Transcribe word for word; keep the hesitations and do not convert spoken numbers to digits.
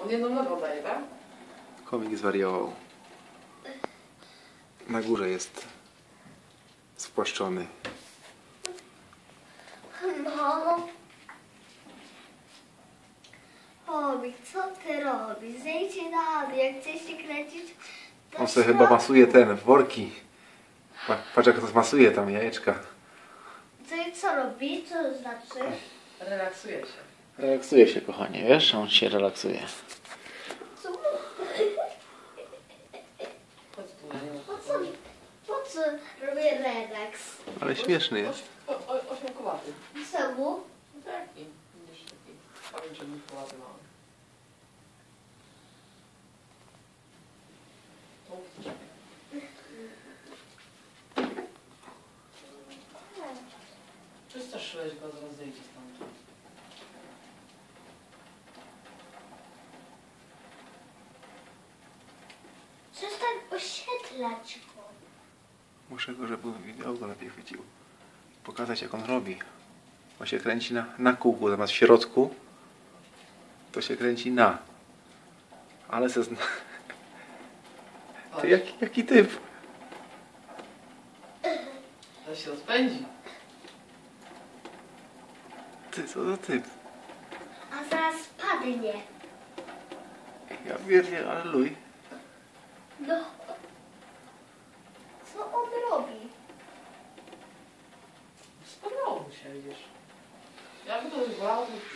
On jedną nogą daje, tak? Komik zwariował. Na górze jest spłaszczony. Mamo. Chomik, co ty robisz? Zejdźcie na dół, jak chcesz się kręcić, to On sobie środku. chyba masuje ten, worki. Pa- Patrz jak to masuje tam jajeczka. Co, co robi? Co to znaczy? Relaksuje się. Relaksuje się, kochanie, wiesz? On się relaksuje. Co? Chodź tu na nią. Po co? Po co robię relaks? Ale śmieszny jest. Oś, o, o, ośmiokołaty. Czemu? No taki. Będziesz taki. Powiem, że ośmiokołaty mały. To przestraszyłeś go, zaraz zejdzie stąd. Przestań oświetlać go. Muszę go, żeby wideo go lepiej chwycił. Pokazać jak on robi. On się kręci na, na kółku, zamiast w środku. To się kręci na. Ale se zna... Ty, jaki, jaki typ? Ale się rozpędzi. Ty, co za typ? A zaraz spadnie. Ja wierzę, ale luj. No. Co on robi? Spadło mu się, widzisz. Ja bym to zwał, to